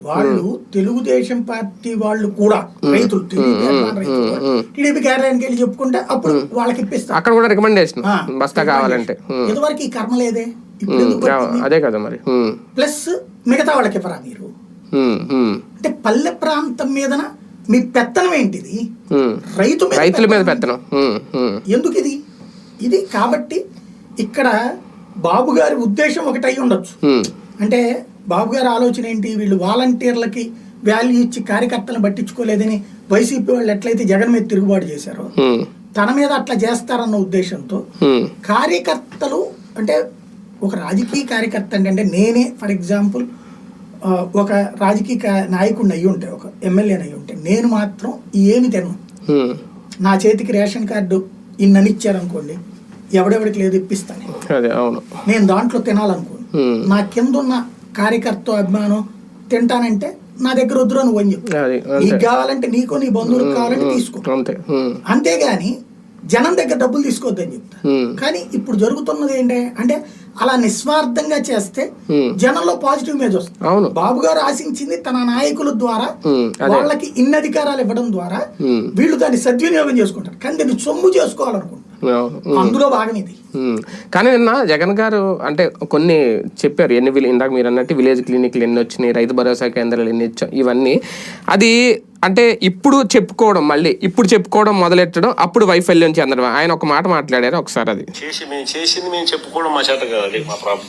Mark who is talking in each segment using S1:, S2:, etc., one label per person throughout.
S1: వాళ్ళు తెలుగుదేశం పార్టీ వాళ్ళు కూడా రైతులు టీడీపీ కార్యాలయానికి వెళ్ళి చెప్పుకుంటే అప్పుడు వాళ్ళకి ఇప్పిస్తారు.
S2: అక్కడ కూడా రికమెండేషన్ బస్తా కావాలంటే.
S1: ఇదివరకు ఈ కర్మ లేదే, ఇప్పుడు
S2: అదే కదా మరి.
S1: ప్లస్ మిగతా వాళ్ళకి ఇవ్వరా మీరు? అంటే పల్లె ప్రాంతం మీద మీ పెత్తనం ఏంటిది? రైతుల మీద పెత్తనం ఎందుకు ఇది? ఇది కాబట్టి ఇక్కడ బాబు గారి ఉద్దేశం ఒకటి అయి ఉండొచ్చు. అంటే బాబు గారి ఆలోచన ఏంటి, వీళ్ళు వాలంటీర్లకి వాల్యూ ఇచ్చి కార్యకర్తలను పట్టించుకోలేదని వైసీపీ వాళ్ళు ఎట్లయితే జగన్ మీద తిరుగుబాటు చేశారో తన మీద అట్లా చేస్తారన్న ఉద్దేశంతో కార్యకర్తలు, అంటే ఒక రాజకీయ కార్యకర్త అంటే నేనే ఫర్ ఎగ్జాంపుల్ ఒక రాజకీయ నాయకుడిని అయ్యి ఉంటే, ఒక ఎమ్మెల్యేని అయ్యి ఉంటే, నేను మాత్రం ఏమి తినను. నా చేతికి రేషన్ కార్డు ఇన్నని ఇచ్చారనుకోండి, ఎవడెవడికి లేదు ఇప్పిస్తాను నేను, దాంట్లో తినాలనుకోండి. నా కింద ఉన్న కార్యకర్త అభిమానం తింటానంటే నా దగ్గర వద్దురా నువ్వు అని చెప్పు. నీకు కావాలంటే నీకో నీ బంధువులకు కావాలంటే తీసుకో, అంతేగాని జనం దగ్గర డబ్బులు తీసుకోవద్దని చెప్తా. కానీ ఇప్పుడు జరుగుతున్నది ఏంటి అంటే అలా నిస్వార్థంగా చేస్తే జనంలో పాజిటివ్ ఇమేజ్ వస్తుంది. బాబు గారు ఆశించింది తన నాయకుల ద్వారా వాళ్ళకి ఇన్ని అధికారాలు ఇవ్వడం ద్వారా వీళ్ళు దాన్ని సద్వినియోగం చేసుకుంటారు, కానీ దీన్ని సొమ్ము చేసుకోవాలనుకుంటారు. అందులో భాగం ఇది.
S2: కానీ నిన్న జగన్ గారు అంటే కొన్ని చెప్పారు, ఎన్ని ఇందాక మీరు అన్నట్టు విలేజ్ క్లినిక్లు ఎన్ని వచ్చినాయి, రైతు భరోసా కేంద్రాలు ఎన్ని వచ్చాయి, ఇవన్నీ అది అంటే ఇప్పుడు చెప్పుకోవడం మొదలెట్టడం అప్పుడు వైఫల్యం చెందడం. ఆయన ఒక మాట మాట్లాడారు ఒకసారి, అది
S3: చేసింది మేము చెప్పుకోవడం మా చేత కాదు, అది మా ప్రాబ్లం.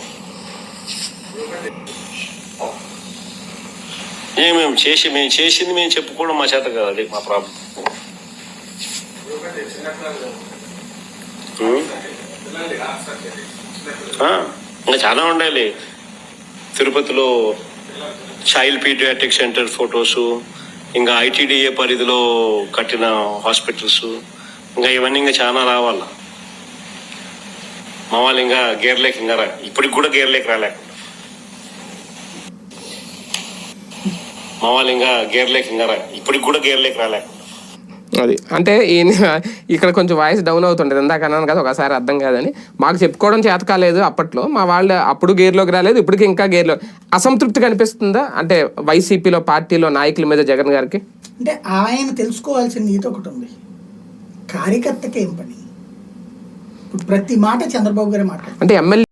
S3: మేము చేసింది మేము చెప్పుకోవడం మా చేత కాదు, అది మా ప్రాబ్లం. ఇంకా చాలా ఉండాలి. తిరుపతిలో చైల్డ్ పీడియాట్రిక్ సెంటర్ ఫొటోస్, ఇంకా ఐటీడీఏ పరిధిలో కట్టిన హాస్పిటల్స్, ఇంకా ఇవన్నీ ఇంకా చాలా రావాల. మా వాళ్ళు ఇంకా గేర్లేక ఇంకా ఇప్పటికి కూడా గేర్లేక రాలేకుండా
S2: అది అంటే ఇక్కడ కొంచెం వాయిస్ డౌన్ అవుతుంటది. ఇందాక అన్నాను కదా ఒకసారి అర్థం కాదని. మాకు చెప్పుకోవడం చేత కాలేదు అప్పట్లో, మా వాళ్ళు అప్పుడు గేర్లోకి రాలేదు, ఇప్పటికి ఇంకా గేర్లో. అసంతృప్తి కనిపిస్తుందా అంటే వైసీపీలో పార్టీలో నాయకుల మీద జగన్ గారికి?
S1: అంటే ఆయన తెలుసుకోవాల్సిన నీతి ఒకటి ఉంది, కార్యకర్తకి ఏం పని. ఇప్పుడు ప్రతి మాట చంద్రబాబు గారే మాట్లాడారు.
S2: అంటే ఎమ్మెల్యే